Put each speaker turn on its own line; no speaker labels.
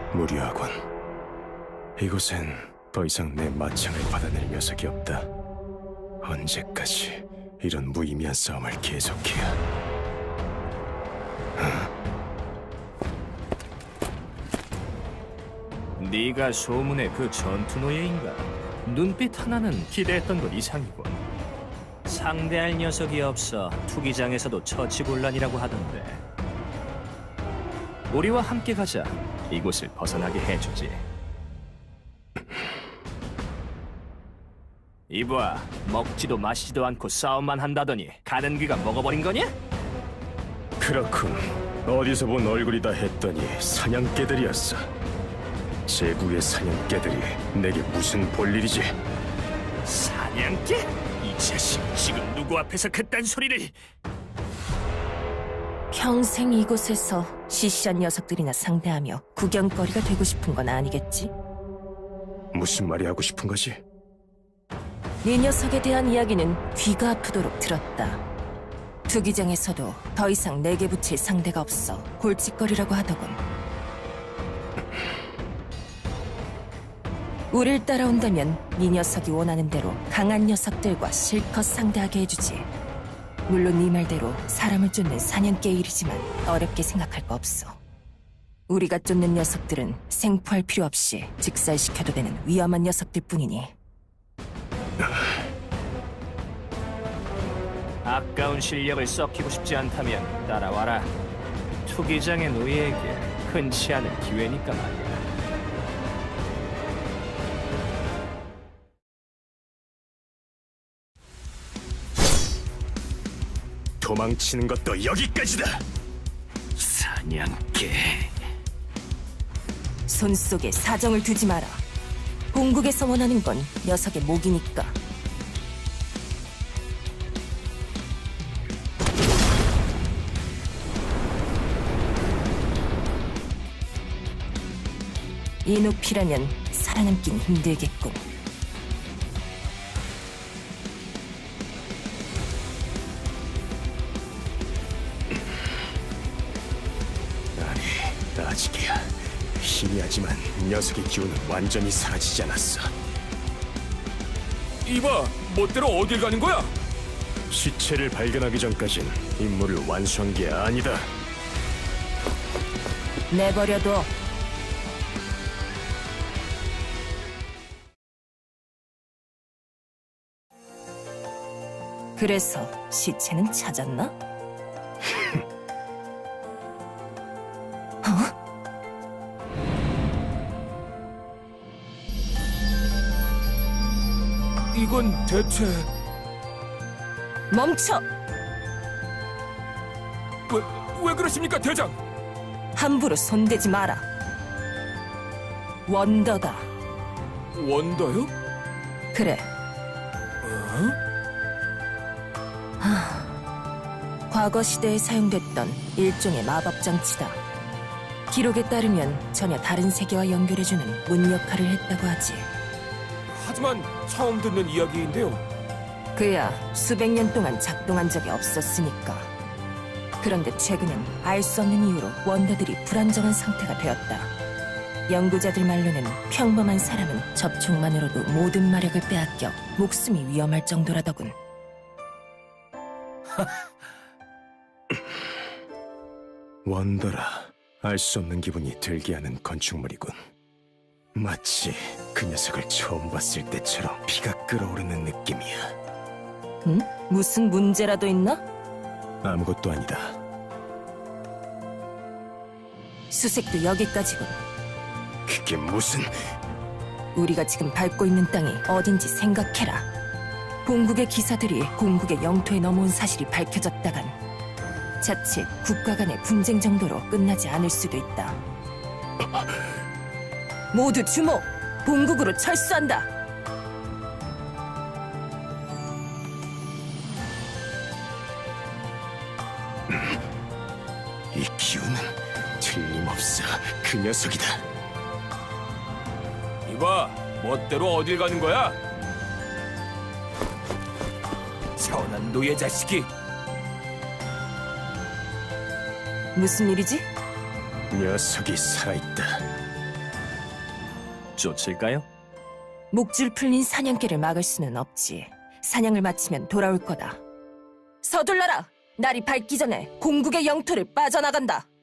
무료하군. 이곳엔 더 이상 내 마창을 받아낼 녀석이 없다. 언제까지 이런 무의미한 싸움을 계속해야?
네가 소문의 그 전투 노예인가? 눈빛 하나는 기대했던 것 이상이군. 상대할 녀석이 없어 투기장에서도 처치곤란이라고 하던데. 우리와 함께 가자. 이곳을 벗어나게 해주지. 이봐, 먹지도 마시지도 않고 싸움만 한다더니 가는 귀가 먹어버린 거냐?
그렇군. 어디서 본 얼굴이다 했더니 사냥개들이었어. 제국의 사냥개들이 내게 무슨 볼일이지?
사냥개? 이 자식 지금 누구 앞에서 그딴 소리를?
평생 이곳에서 시시한 녀석들이나 상대하며 구경거리가 되고 싶은 건 아니겠지?
무슨 말이 하고 싶은 거지?
네 녀석에 대한 이야기는 귀가 아프도록 들었다. 투기장에서도 더 이상 내게 붙일 상대가 없어 골칫거리라고 하더군. 우릴 따라온다면 네 녀석이 원하는 대로 강한 녀석들과 실컷 상대하게 해주지. 물론 네 말대로 사람을 쫓는 사냥개의 일이지만 어렵게 생각할 거 없어. 우리가 쫓는 녀석들은 생포할 필요 없이 직살시켜도 되는 위험한 녀석들 뿐이니.
아까운 실력을 썩히고 싶지 않다면 따라와라. 투기장의 노예에게 흔치 않은 기회니까 말이야.
도망치는 것도 여기까지다.
사냥개.
손 속에 사정을 두지 마라. 본국에서 원하는 건 녀석의 목이니까. 이 높이라면 살아남긴 힘들겠군.
아니, 아직이야. 희미하지만 녀석의 기운은 완전히 사라지지 않았어.
이봐, 멋대로 어딜 가는 거야?
시체를 발견하기 전까진 임무를 완수한 게 아니다.
내버려둬. 그래서 시체는 찾았나? 어?
이건 대체
멈춰!
왜 그러십니까, 대장?
함부로 손대지 마라. 원더다.
원더요?
그래.
어?
과거 시대에 사용됐던 일종의 마법 장치다. 기록에 따르면 전혀 다른 세계와 연결해주는 문 역할을 했다고 하지.
하지만 처음 듣는 이야기인데요.
그야 수백 년 동안 작동한 적이 없었으니까. 그런데 최근엔 알 수 없는 이유로 원더들이 불안정한 상태가 되었다. 연구자들 말로는 평범한 사람은 접촉만으로도 모든 마력을 빼앗겨 목숨이 위험할 정도라더군.
원더라. 알 수 없는 기분이 들게 하는 건축물이군. 마치 그 녀석을 처음 봤을 때처럼 피가 끓어오르는 느낌이야.
응? 무슨 문제라도 있나?
아무것도 아니다.
수색도 여기까지군.
그게 무슨...
우리가 지금 밟고 있는 땅이 어딘지 생각해라. 본국의 기사들이 공국의 영토에 넘어온 사실이 밝혀졌다간 자칫 국가 간의 분쟁 정도로 끝나지 않을 수도 있다. 모두 주목! 본국으로 철수한다!
이 기운은 틀림없어 그 녀석이다.
이봐, 멋대로 어딜 가는 거야? 천한 노예 자식이.
무슨 일이지?
녀석이 살아있다.
쫓을까요?
목줄 풀린 사냥개를 막을 수는 없지. 사냥을 마치면 돌아올 거다. 서둘러라! 날이 밝기 전에 공국의 영토를 빠져나간다.